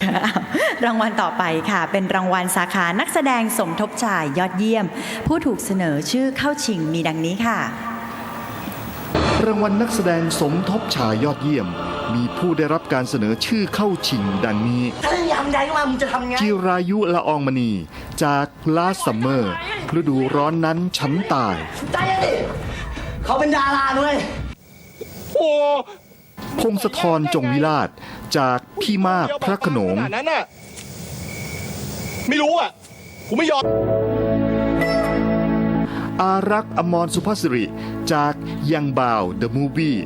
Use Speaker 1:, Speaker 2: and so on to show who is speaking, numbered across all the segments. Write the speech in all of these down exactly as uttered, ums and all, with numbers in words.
Speaker 1: รางวัลต่อไปค่ะเป็นรางวัลสาขานักแสดงสมทบชายยอดเยี่ยมผู้ถูกเสนอชื่อเข้าชิงมีดังนี้ค่ะ
Speaker 2: รางวัลนักแสดงสมทบชายยอดเยี่ยมมีผู้ได้รับการเสนอชื่อเข้าชิงดังนี้
Speaker 3: ถ้ายำใดมามึงจะทำไง
Speaker 2: จิรายุละอองมณีจากลาซัมเมอร์ฤดูร้อนนั้นฉันตาย
Speaker 3: ใจดิเขาเป็นดาราด้วย
Speaker 2: โอ้พงศธรจงวิราชจากพี่มากพระโขนง
Speaker 4: นั้นน่ะไม่รู้อ่ะกูไม่ยอม
Speaker 2: อารักษ์อมรสุภาสิริจากยังบ่าวเดอะมูฟวี่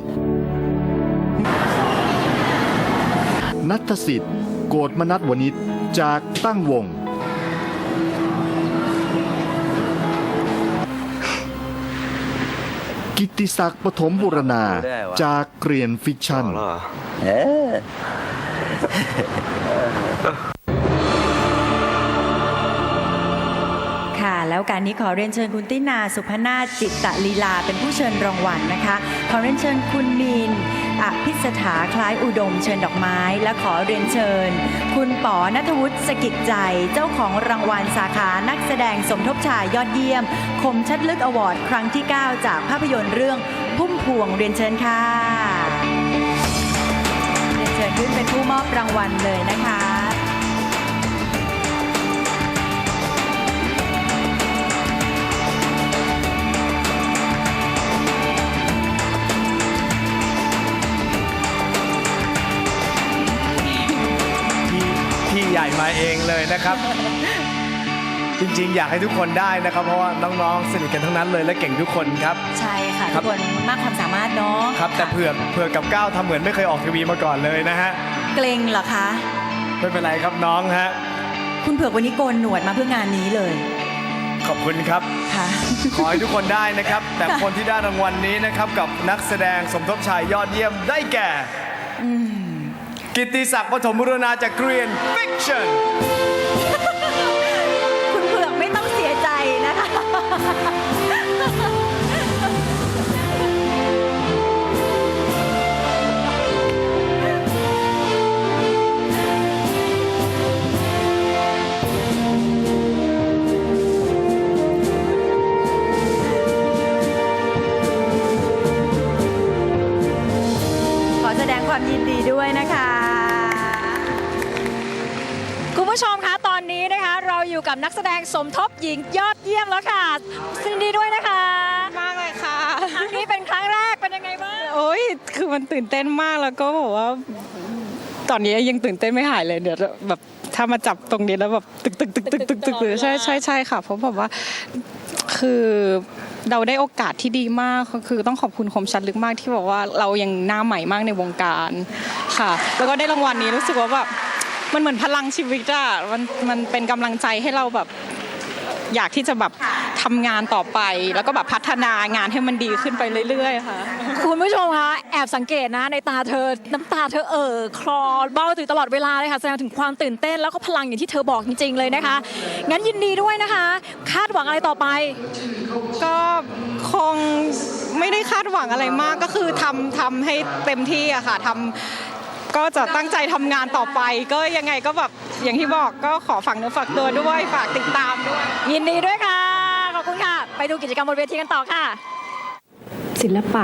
Speaker 2: นัทสิทธิ์โกฏมนัสวณิชจากตั้งวงกิตติศักดิ์ปฐมบุรณาจากเกรียนฟิกชั่น
Speaker 1: ค่ะแล้วการนี้ขอเรียนเชิญคุณตินาสุพนาถจิตตลีลาเป็นผู้เชิญรางวัลนะคะขอเรียนเชิญคุณมีนอภิสถาคล้ายอุดมเชิญดอกไม้และขอเรียนเชิญคุณป๋อณัฐวุฒิสกิจใจเจ้าของรางวัลสาขานักแสดงสมทบชายยอดเยี่ยมคมชัดลึกอวอร์ดครั้งที่เก้าจากภาพยนตร์เรื่องพุ่มพวงเรียนเชิญค่ะเรียนเชิญขึ้นเป็นผู้มอบรางวัลเลยนะคะ
Speaker 5: ใหญ่มาเองเลยนะครับ จริงๆอยากให้ทุกคนได้นะครับเพราะว่าน้องๆสนิทกันทั้งนั้นเลยและเก่งทุกคนครับ
Speaker 1: ใช่ค่ะทุกคนมากความสามารถเนาะ
Speaker 5: ครับแต่เผือกเผือกกับก้าวทำเหมือนไม่เคยออกทีวีมาก่อนเลยนะฮะ
Speaker 1: เกรงเหรอคะ
Speaker 5: ไม่เป็นไรครับน้องฮะ
Speaker 1: คุณเผือกวันนี้โกนหนวดมาเพื่องานนี้เลย
Speaker 5: ขอบคุณครับ
Speaker 1: ค่ะ
Speaker 5: ขอให้ทุกคนได้นะครับแต่คนที่ได้รางวัลนี้นะครับกับนักแสดงสมทบชายยอดเยี่ยมได้แก่กิตติศักดิ์ปฐมบุรณาจากเกรียนฟิกชั่น
Speaker 1: คุณเผือกไม่ต้องเสียใจนะคะขอแสดงความยินดีด้วยนะคะ
Speaker 6: คุณผู้ชมคะตอนนี้นะคะเราอยู่กับนักแสดงสมทบหญิงยอดเยี่ยมแล้วค่ะยินดีด้วยนะคะ
Speaker 7: มากเลยค่ะ
Speaker 6: ครั้งนี้เป็นครั้งแรกเป็นยังไงบ้าง
Speaker 7: โอ้ยคือมันตื่นเต้นมากแล้วก็บอกว่าตอนนี้ยังตื่นเต้นไม่หายเลยเดี๋ยวแบบถ้ามาจับตรงนี้แล้วแบบตึกตึกตึกตึกตึกตึกตึกใช่ใช่ใช่ค่ะเพราะแบบว่าคือเราได้โอกาสที่ดีมากคือต้องขอบคุณคมชัดลึกมากที่บอกว่าเรายังหน้าใหม่มากในวงการค่ะแล้วก็ได้รางวัลนี้รู้สึกว่าแบบมันเหมือนพลังชีวิตอะมันมันเป็นกำลังใจให้เราแบบอยากที่จะแบบทำงานต่อไปแล้วก็แบบพัฒนางานให้มันดีขึ้นไปเรื่อยๆค่ะ
Speaker 6: คุณผู้ชมคะแอบสังเกตนะในตาเธอน้ำตาเธอเอ่อคลอเบ้าตื่นตลอดเวลาเลยค่ะแสดงถึงความตื่นเต้นแล้วก็พลังอย่างที่เธอบอกจริงๆเลยนะคะงั้นยินดีด้วยนะคะคาดหวังอะไรต่อไป
Speaker 7: ก็คงไม่ได้คาดหวังอะไรมากก็คือทำทำให้เต็มที่อะค่ะทำก็จะตั้งใจทำงานต่อไปก็ยังไงก็แบบอย่างที่บอกก็ขอฝากเนื้อฝากตัวด้วยฝากติดตามด้วย
Speaker 6: ยินดีด้วยค่ะขอบคุณค่ะไปดูกิจกรรมบนเวทีกันต่อค่ะ
Speaker 8: ศิลปะ